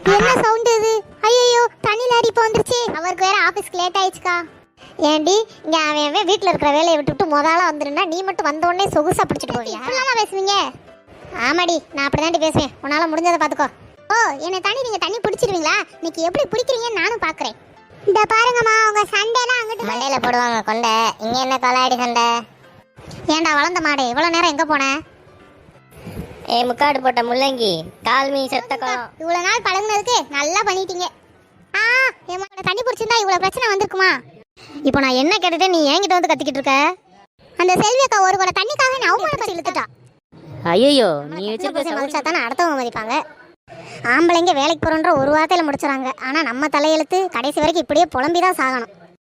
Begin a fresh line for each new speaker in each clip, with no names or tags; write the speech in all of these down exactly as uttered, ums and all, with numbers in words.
என்ன சவுண்ட் இது? ஐயோ தண்ணி லாரி இப்போ வந்துருச்சு. அவருக்கு வேற ஆபீஸ்க்கு லேட் ஆயிடுச்சுக்கா. ஏண்டி இங்க அவன் அவன் வீட்டில் இருக்கிற வேலையை விட்டுவிட்டு முதல்ல வந்துருந்தா நீ மட்டும் வந்த உடனே சொகுசா பிடிச்சிட்டு போவியா? இப்படிலாம் பேசுவீங்க? ஆமாடி, நான் அப்படிதாண்டி பேசுவேன். உன்னால முடிஞ்சதை பார்த்துக்கோ. ஓ, என்ன தண்ணி நீங்க தண்ணி பிடிச்சிருவீங்களா? இன்னைக்கு எப்படி பிடிக்கிறீங்கன்னு நானும் பாக்குறேன். இந்த பாருங்கம்மா, உங்க சண்டைலாம் அங்கிட்டு மண்டையில போடுவாங்க கொண்டை. இங்க என்ன கொலாடி சண்டை? ஏன்டா வளர்ந்த மாடு, இவ்வளவு நேரம் எங்க போன?
ஏ முக்காடு போட்ட முள்ளங்கி, கால்மீ செத்த குளம்.
இவ்வளவு நாள் பழகுனதுக்கு நல்லா பண்ணிட்டீங்க. ஆ, என் தண்ணி பிடிச்சிருந்தா இவ்வளவு பிரச்சனை வந்திருக்குமா?
இப்போ நான் என்ன கேட்டுட்டு நீ என்கிட்ட வந்து கத்திக்கிட்டு இருக்க?
அந்த செல்வி அக்கா ஒரு கூட தண்ணிக்காக நான் அவமானப்பட்டு இழுத்துட்டா.
ஐயோ, நீ வச்சிருக்க
மதிச்சா தானே அடுத்தவங்க மதிப்பாங்க. ஆம்பளைங்க வேலைக்கு போறோன்ற ஒரு வார்த்தையில முடிச்சுறாங்க. ஆனா நம்ம தலையெழுத்து கடைசி வரைக்கும் இப்படியே புலம்பிதான் சாகணும்.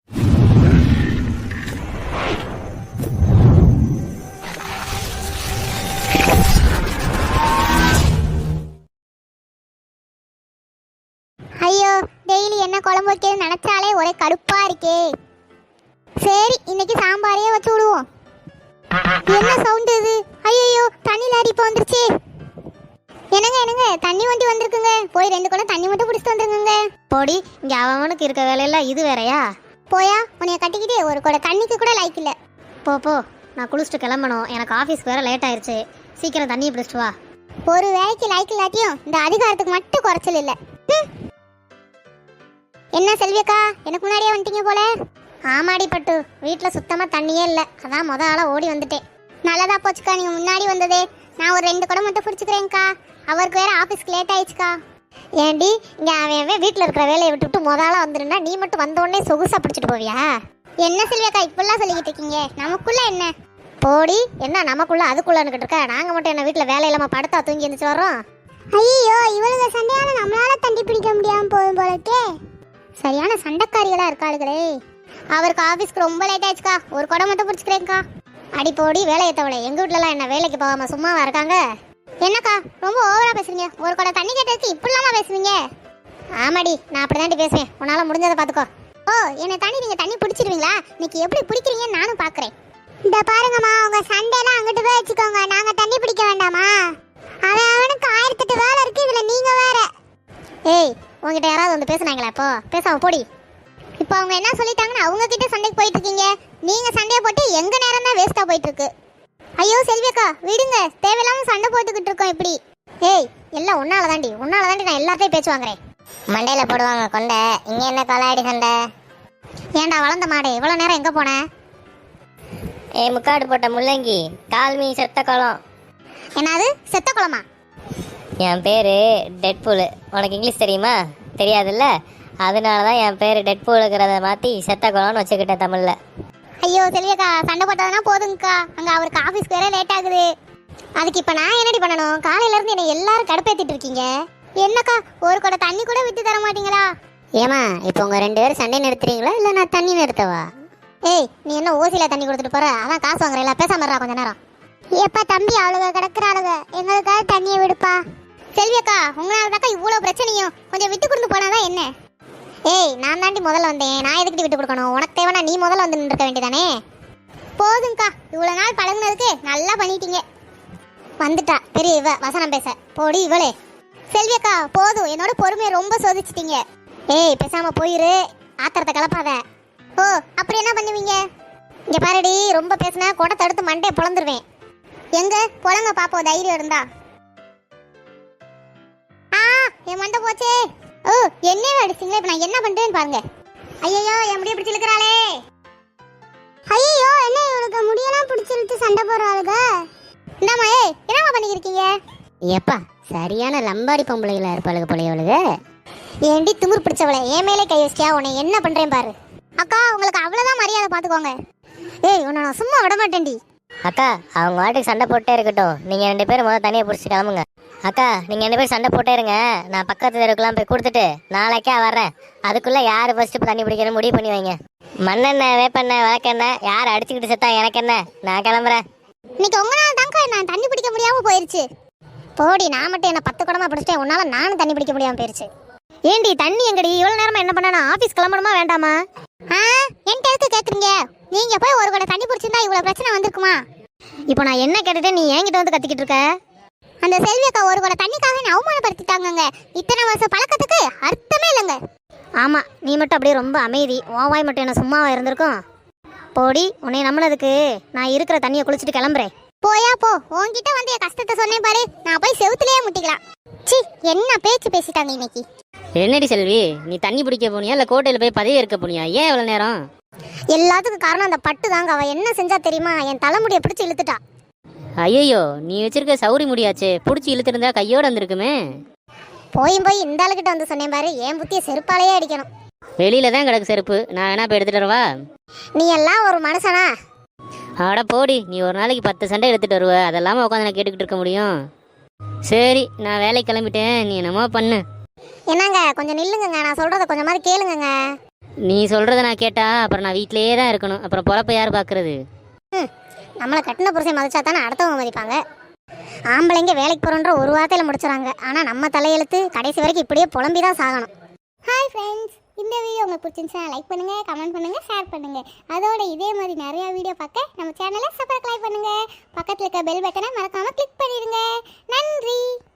ஐயோ, டெய்லி என்ன குழம்பு வைக்கிறது நினைச்சாலே ஒரே கடுப்பா இருக்கே. சரி, இன்னைக்கு சாம்பாரே வச்சு விடுவோம். என்ன சவுண்ட் இது? ஐயோ தண்ணி லாரி இப்போ வந்துருச்சு. என்னங்க என்னங்க, தண்ணி வண்டி வந்திருக்குங்க. போய் ரெண்டு குடம் தண்ணி மட்டும் பிடிச்சிட்டு வந்துருங்க.
போடி, இங்க அவனுக்கு இருக்க வேலையெல்லாம் இது வேறையா?
போயா, உன்னைய கட்டிக்கிட்டு ஒரு குடம் தண்ணிக்கு கூட லைக் இல்ல.
போ போ, நான் குளிச்சுட்டு கிளம்பணும். எனக்கு ஆஃபீஸ் வேற லேட் ஆயிடுச்சு. சீக்கிரம் தண்ணியை பிடிச்சிட்டு வா.
ஒரு வேலைக்கு லைக் இல்லாட்டியும் இந்த அதிகாரத்துக்கு மட்டும் குறைச்சல் இல்லை. என்ன செல்வியக்கா, எனக்கு முன்னாடியே வந்துட்டீங்க போல. ஆமாடி பட்டு, வீட்டில் சுத்தமாக தண்ணியே இல்லை. அதான் முத ஆளாக ஓடி வந்துட்டேன். நல்லதா போச்சுக்கா நீங்கள் முன்னாடி வந்ததே. நான் ஒரு ரெண்டு குடம் மட்டும் பிடிச்சிக்கிறேங்க்கா. அவருக்கு வேற ஆஃபீஸ்க்கு லேட் ஆயிடுச்சுக்கா. ஏண்டி இங்கே அவன் அவன் வீட்டில் இருக்கிற வேலையை விட்டுவிட்டு முத ஆளாக வந்துருந்தா நீ மட்டும் வந்த உடனே சொகுசா பிடிச்சிட்டு போவியா? என்ன செல்வியக்கா இப்படிலாம் சொல்லிக்கிட்டு இருக்கீங்க? நமக்குள்ள என்ன? போடி, என்ன நமக்குள்ள அதுக்குள்ளன்னுக்கிட்டு இருக்க? நாங்கள் மட்டும் என்ன வீட்டில் வேலை இல்லாமல் படுத்தா தூங்கி இருந்துச்சு வரோம்? ஐயோ, இவளுங்க சண்டையால நம்மளால தண்ணி பிடிக்க முடியாமல் போகும் போலக்கே. சரியான சண்டைக்காரிகளா இருக்காளுகளே. அவருக்கு ஆஃபீஸ்க்கு ரொம்ப லேட் ஆயிடுச்சுக்கா. ஒரு குடம் மட்டும் பிடிச்சிக்கிறேங்க்கா. அடி போடி வேலை ஏற்றவளே, எங்கள் வீட்டிலலாம் என்ன வேலைக்கு போகாமல் சும்மாவா இருக்காங்க? என்னக்கா ரொம்ப ஓவராக பேசுறீங்க? ஒரு குடம் தண்ணி கேட்டதுக்கு இப்படிலாமா பேசுவீங்க? ஆமாடி, நான் அப்படி தாண்டி பேசுவேன். உன்னால் முடிஞ்சதை பார்த்துக்கோ. ஓ, என்ன தண்ணி நீங்கள் தண்ணி பிடிச்சிருவீங்களா? இன்னைக்கு எப்படி பிடிக்கிறீங்கன்னு நானும் பார்க்குறேன். இந்த பாருங்கம்மா, உங்கள் சண்டைலாம் அங்கிட்டு போய் வச்சுக்கோங்க. நாங்கள் தண்ணி பிடிக்க வேண்டாமா? அவன் அவனுக்கு ஆயிரத்தெட்டு வேலை இருக்குது, இதில் நீங்கள் வேற. ஏய், உங்ககிட்ட யாராவது வந்து பேசுனாங்களா? இப்போ பேசாம போடி. இப்போ அவங்க என்ன சொல்லிட்டாங்கன்னு அவங்க கிட்ட சண்டைக்கு போயிட்டு இருக்கீங்க. நீங்க சண்டையை போட்டு எங்க நேரம் தான் வேஸ்டா போயிட்டு இருக்கு. ஐயோ செல்வியக்கா, விடுங்க, தேவையில்லாம சண்டை போட்டுக்கிட்டு இருக்கோம் இப்படி. ஏய், எல்லாம் உன்னால தாண்டி உன்னால தாண்டி நான் எல்லாத்தையும் பேச்சு வாங்குறேன்.
மண்டையில போடுவாங்க கொண்டை. இங்க என்ன கொலாடி சண்டை?
ஏன்டா வளர்ந்த மாடு, இவ்வளவு நேரம் எங்க போன?
ஏ முக்காடு போட்ட முள்ளங்கி, கால்மீ செத்த குளம்.
என்னது செத்த குளமா?
என் பேரு டெட்பூல். உனக்கு இங்கிலீஷ் தெரியுமா? தெரியாதுல்ல? அதனால தான் என் பேர் டெட்பூலுங்கிறத மாற்றி செத்த குளம்னு வச்சுக்கிட்டேன் தமிழில்.
ஐயோ செல்வியக்கா, சண்டை போட்டதுனா போதுங்கக்கா. அங்கே அவருக்கு ஆஃபீஸ்க்கு வேற லேட் ஆகுது. அதுக்கு இப்போ நான் என்னடி பண்ணணும்? காலையிலேருந்து என்னை எல்லாரும் கடுப்பேற்றிட்டு இருக்கீங்க. என்னக்கா, ஒரு கூட தண்ணி கூட விட்டு தர மாட்டீங்களா?
ஏமா, இப்போ உங்கள் ரெண்டு பேரும் சண்டை நிறுத்துறீங்களா இல்லை நான் தண்ணி நிறுத்தவா?
ஏய், நீ என்ன ஓசியில் தண்ணி கொடுத்துட்டு போகிற? அதான் காசு வாங்குறீங்களா? பேசாம இருடா கொஞ்ச நேரம். எப்பா தம்பி, அவளுக கிடக்குறாளுங்க, எங்களுக்காக தண்ணியை விடுப்பா. செல்வியக்கா, உங்களால தாக்கா இவ்வளோ பிரச்சனையும். கொஞ்சம் விட்டு கொடுத்து போனாதான் என்ன? ஏய், நான் தாண்டி முதல்ல வந்தேன். நான் எதுக்கிட்டு விட்டு கொடுக்கணும்? உனக்கு தேவைன்னா நீ முதல்ல வந்து நின்றுக்க வேண்டியதானே? போதுங்கக்கா, இவ்வளோ நாள் பழகுனதுக்கு நல்லா பண்ணிட்டீங்க. வந்துட்டா பெரிய இவ வசனம் பேச. போடி இவளே. செல்வியக்கா போதும், என்னோட பொறுமையை ரொம்ப சோதிச்சிட்டீங்க. ஏய், பேசாம போயிரு, ஆத்திரத்தை கலப்பாத. ஓ, அப்படி என்ன பண்ணுவீங்க? இங்க பாருடி, ரொம்ப பேசினா குடத்தை எடுத்து மண்டையை பொழந்துருவேன். எங்க பொழங்க பாப்போம், தைரியம் இருந்தா. ஆ, என் மண்டை போச்சே. ஓ, என்ன அடிச்சிங்களே, இப்போ நான் என்ன பண்றேன்னு பாருங்க. ஐயோ, என் முடிய பிடிச்சி இழுக்கிறாளே. ஐயோ, என்ன இவளுக்கு முடியெல்லாம் பிடிச்சிருச்சு சண்டை போறாளுங்க. இந்தாமா, ஏய் என்னமா பண்ணிக்கிருக்கீங்க?
எப்பா, சரியான லம்பாடி பொம்பளைகளா இருப்பாளுங்க போலையவளுங்க.
ஏண்டி திமிர் பிடிச்சவளை, என் மேலே கை வச்சியா? உன்னை என்ன பண்றேன் பாரு. அக்கா, உங்களுக்கு அவ்வளவுதான் மரியாதை, பாத்துக்கோங்க. ஏய், உன்னை நான் சும்மா விட மாட்டேன்டி.
அக்கா, அவங்க வாட்டுக்கு சண்டை போட்டே இருக்கட்டும். நீங்கள் ரெண்டு பேரும் முதல்ல தனியாக பிடிச்சி கிளம்புங்க. அக்கா, நீங்கள் ரெண்டு பேரும் சண்டை போட்டே இருங்க. நான் பக்கத்து தெருவுக்குலாம் போய் கொடுத்துட்டு நாளைக்கா வர்றேன். அதுக்குள்ளே யார் ஃபஸ்ட்டு தண்ணி பிடிக்கணும் முடிவு பண்ணி வைங்க. மண்ணெண்ணெய், வேப்பெண்ணெய், விளக்கெண்ணெய் யார் அடிச்சுக்கிட்டு செத்தா எனக்கு என்ன? நான் கிளம்புறேன்.
இன்னைக்கு உங்களால தாங்க நான் தண்ணி பிடிக்க முடியாமல் போயிருச்சு. போடி, நான் மட்டும் என்ன பத்து குடமா பிடிச்சிட்டேன், உன்னால நானும் தண்ணி பிடிக்க முடியாமல் போயிருச்சு.
ஏண்டி தண்ணி எங்கடி? இவ்வளவு நேரமா என்ன பண்ணா? ஆபீஸ் கிளம்பணுமா வேண்டாமா?
ஆ, என்கிட்ட எதுக்கு கேக்குறீங்க? நீங்க போய் ஒரு கூட தண்ணி பிடிச்சிருந்தா இவ்வளவு பிரச்சனை வந்திருக்குமா?
இப்போ நான் என்ன கேட்டுட்டே நீ என்கிட்ட வந்து கத்திக்கிட்டு இருக்க?
அந்த செல்வி அக்கா ஒரு கூட தண்ணிக்காக என்னை அவமானப்படுத்திட்டாங்கங்க. இத்தனை வருஷம் பழக்கத்துக்கு அர்த்தமே இல்லைங்க.
ஆமா, நீ மட்டும் அப்படியே ரொம்ப அமைதி. உன் வாய் மட்டும் என்ன சும்மாவா இருந்திருக்கும்? போடி, உன்னை நம்பினதுக்கு நான் இருக்கிற தண்ணியை குளிச்சுட்டு கிளம்புறேன்.
போயா போ, உன்கிட்ட வந்து என் கஷ்டத்தை சொன்னேன் பாரு, நான் போய் செவுத்துலயே முட்டிக்கலாம். சி, என்ன பேச்சு பேசிட்டாங்க இன்னைக்கு.
என்னடி செல்வி, நீ தண்ணி பிடிக்க போனியா இல்லை கோட்டையில் போய் பதவி இருக்க போனியா? ஏன் இவ்வளோ நேரம்?
எல்லாத்துக்கும் காரணம் அந்த பட்டு தாங்க. அவ என்ன செஞ்சா தெரியுமா? என் தலைமுடியை பிடிச்சி இழுத்துட்டா.
ஐயோ, நீ வச்சிருக்க சௌரி முடியாச்சே, பிடிச்சி இழுத்துருந்தா கையோடு வந்திருக்குமே.
போயும் போய் இந்த ஆளுகிட்ட வந்து சொன்னேன் பாரு, என் புத்தியை செருப்பாலேயே அடிக்கணும்.
வெளியில தான் கிடக்கு செருப்பு, நான் வேணா போய் எடுத்துட்டு வரவா?
நீ எல்லாம் ஒரு மனுஷனா?
ஆட போடி, நீ ஒரு நாளைக்கு பத்து சண்டை எடுத்துட்டு வருவ, அதெல்லாம உட்காந்து நான் கேட்டுக்கிட்டு இருக்க முடியும்? சரி, நான் வேலைக்கு கிளம்பிட்டேன், நீ என்னமோ பண்ணு.
என்னங்க, கொஞ்சம் நில்லுங்க, நான் சொல்றத கொஞ்சம் மாதிரி கேளுங்க.
நீ சொல்றத நான் கேட்டா அப்புறம் நான் வீட்டிலேயே தான் இருக்கணும், அப்புறம் பொழப்ப யார் பார்க்கறது?
ம், நம்மளை கட்டின புருஷன் மதிச்சா தானே அடுத்தவங்க மதிப்பாங்க. ஆம்பளைங்க வேலைக்கு போகிறோன்ற ஒரு வார்த்தையில் முடிச்சுறாங்க. ஆனால் நம்ம தலையெழுத்து கடைசி வரைக்கும் இப்படியே புலம்பி தான் சாகணும். ஹாய் ஃப்ரெண்ட்ஸ், இந்த வீடியோ உங்களுக்கு பிடிச்சிருந்துச்சா லைக் பண்ணுங்கள், கமெண்ட் பண்ணுங்கள், ஷேர் பண்ணுங்கள். அதோட இதே மாதிரி நிறையா வீடியோ பார்க்க நம்ம சேனலை சப்ஸ்கிரைப் பண்ணுங்கள். பக்கத்தில் இருக்க பெல் பட்டனை மறக்காமல் கிளிக் பண்ணிடுங்க. நன்றி.